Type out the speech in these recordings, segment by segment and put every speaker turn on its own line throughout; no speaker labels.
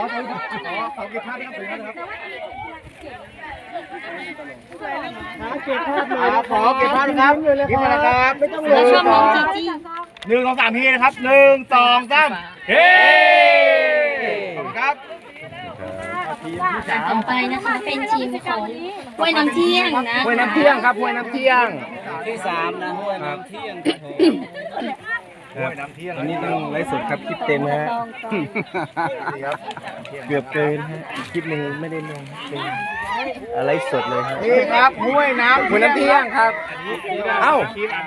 ขอเก็บภาพนะครับขอเก็บภาพนะครับยิ้มนะครับไม่ต้องเลย1 2 3ทีนะครับ1 2 3เฮ้ขอบคุณครับ
ต่อไปนะคะเป็นทีมของห้วยน้ำเที่ยงนะ
ห้วยน้ำเที่ยงครับห้วยน้ำเที่ยง
ที่3นะห้วยน้ำเที่ยง
ห้วยน้ำเที่ยง
อันนี้ต้องไลฟ์สดครับคลิปเต็มฮะเกือบเกินฮะคลิปหนึ่งไม่ได้ลงเป็นอะไรสดเลยครับ
นี่ครับห้วยน้ำเที่ยงครับเอ้า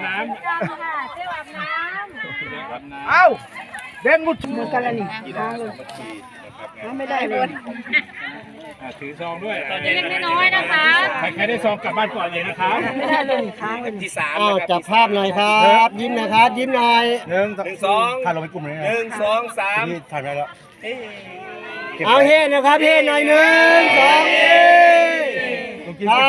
เอ้าเด่นมุดมือกันแล้วนี่ค้างเลยไม่ได้เลย
ถือซองด้วย
เล็กๆน้อยๆนะคะ
ใครได้ซองกลับบ้านก่อนเลยนะครับ
ไม่ได้เลยค้างเลย
ที่3
จับภาพหน่อยครับยิ้มนะครับยิ้มหน่อย
1 2ถ่ายลงไปกลุ่มเลย1 2 3
นี่ถ่ายได้แล้วเอาเฮ้นะครับเฮ้หน่อย1 2ครับ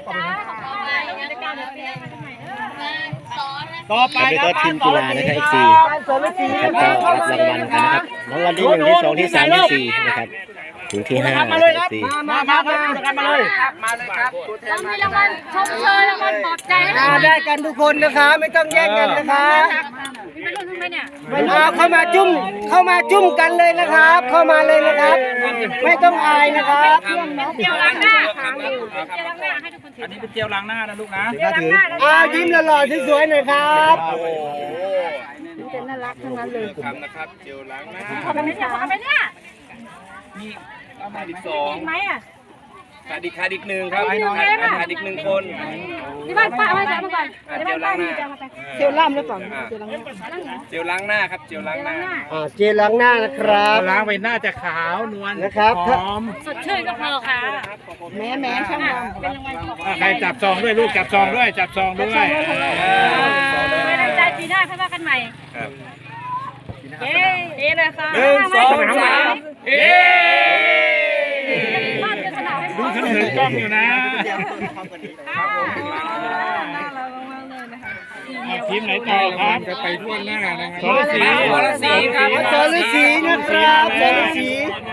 ต่อไปก็ทีมกีฬานะครับ FC ก็รับรางวัลกันนะครับรางวัลที่1ที่2ที่3ที่4นะครับถึงที่5นะครับ FC
มาเลยครับ
ต้องมีรางวัลชมเชยรางวัลปลอบใจ
ได้กันทุกคนนะคะไม่ต้องแย่งกันนะคะ
ไม่รู้ทำไมเนี่ย
เข้ามาจุ่มกันเลยนะครับเข้ามาเลยนะครับไม่ต้องอายนะครับ
เจียวล้างหน้าเจียวล้างหน้าให้ทุกคนถือ
อันนี้เป็นเจลล้างหน้านะลูกนะ
ยิ้มหล่อๆสวยๆหน่อยครับ
เป็นน่ารักทั้งนั้นเลย
นะครับเจลล้างหน้า
ขอไปเนี่ย
นี่ขาดอีก
2ไหมอ่ะ
ขาดอีก1ครับขาดอีก1คน
ที่บ้านป้าเอามาจากเมื่อก่อนที่บ้านป้ามีจะมาไป
เจลล่ำหรือเปล่า
เจลล้างหน้าครับเจลล้างหน้า
เจลล้างหน้านะครับ
ล้างไปหน้าจะขาวนวล
นะครับ
หอม
สดชื่นก็พอค่ะแม่ช่างเป็นรางวัล
ใครจับซองด้วยลูกจับซองด้วย
ไม่ได้ใจปีหน้าค่อยว่ากันใหม่เย้เลยค่ะ
1 2 3
เฮ้ดูถึงกล้องอยู่นะทีมไหนต่อครับจะไปทั่วหน้านะครับ
สรศรีครับ
สรศรีนะครับสรศรี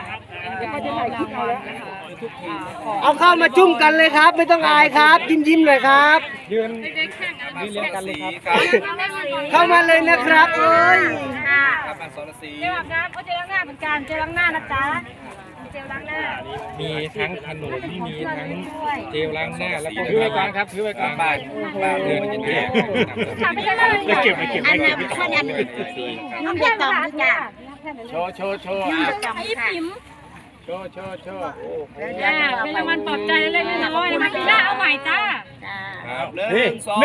เอาเข้ามาจุ่มกันเลยครับไม่ต้องอายครับยิ้มเลยครับ
ยืนเรียงกันเลยครับ
เข้ามาเลยนะครับเอ้ย
ครับสรศรี
เจลล้างหน้าเจลล้างหน้าเหมือนกันเจลล้างหน้านะจ๊ะเจลล้างหน้า
มีทั้งขนมที่มีทั้งเจลล้างหน้าแล้วก็ถือไว้ก่อนครับถือไว้ก่อน
บ้านเดินกันแยก
จะเก็บไม่
น้ำเดือดต่อจ้ะ
โชว์
ไอ้ปิ๋ม
โชว์
เป็นรางวัลปลอบใจเล็กๆน้อยๆมาปีหน้าเอาใหม่จ้า
1 2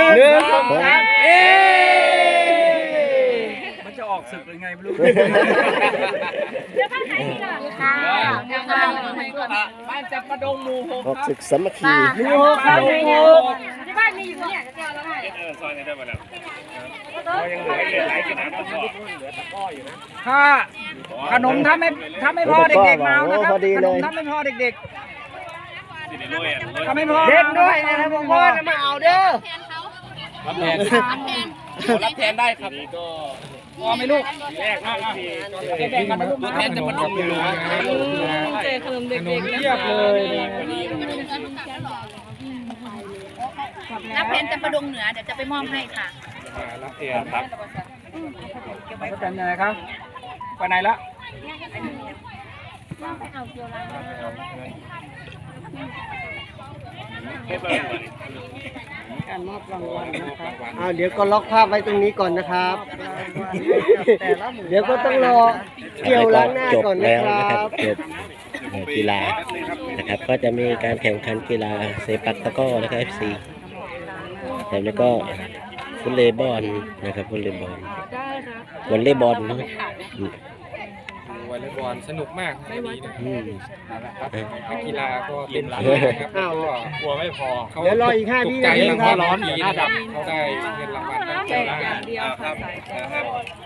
มันจะออกศึกยังไงไม่รู้
เดี๋ยวบ้านไหนดีล่ะค่ะ
บ้านจับประดงหมู่6
ออกศึกสามัคคี
หมู่6ครับที่บ้านมีอยู่เนี่ยจะเจอแล้วไง
ซอยไหนได้มาแล้วยังเหลือหลายขนาดนั้นก็เหลือตะก้ออยู่นะ
ถ้าขนมถ้าไม่พอเด็กๆมานะครับขนมถ้าไม่พอเด็กๆถ้าไม่พอ
เด็กด้วยนะครับพ่อจะมาเอาเด้อ
รับแทนได้ครับพอไหมลูกแรกตัวแทนจะมาดมอยู่
เจอขนมเด็กๆ
เทียบเลย
รับแทนจะประดงเหนือเดี๋ยวจะไปมอบให้ค่ะ
รับเทียนครับ
ก็แต่ยังไงครับไปไหนละ
การมอบรางวัลนะครับเดี๋ยวก็ล็อกภาพไว้ตรงนี้ก่อนนะครับเดี๋ยวก็ต้องรอเกี่ยวล้างหน้าก่อนนะครับ
จบกีฬานะครับก็จะมีการแข่งขันกีฬาเซปักตะกร้อนะครับ FC แล้วก็ฟุตเลย์บอลนะครับฟุตเลย์บอลวอลเลย์บอลเนาะ
วอลเลย์บอลสนุกมากนักกีฬาก็เต็มที่นะครับกลัวไม่พอ
เดี๋ยวรออีก5 วินาที
ครับร้อนหน้าดำเขาได้เงินรางวัลได้เจอแล้วครับ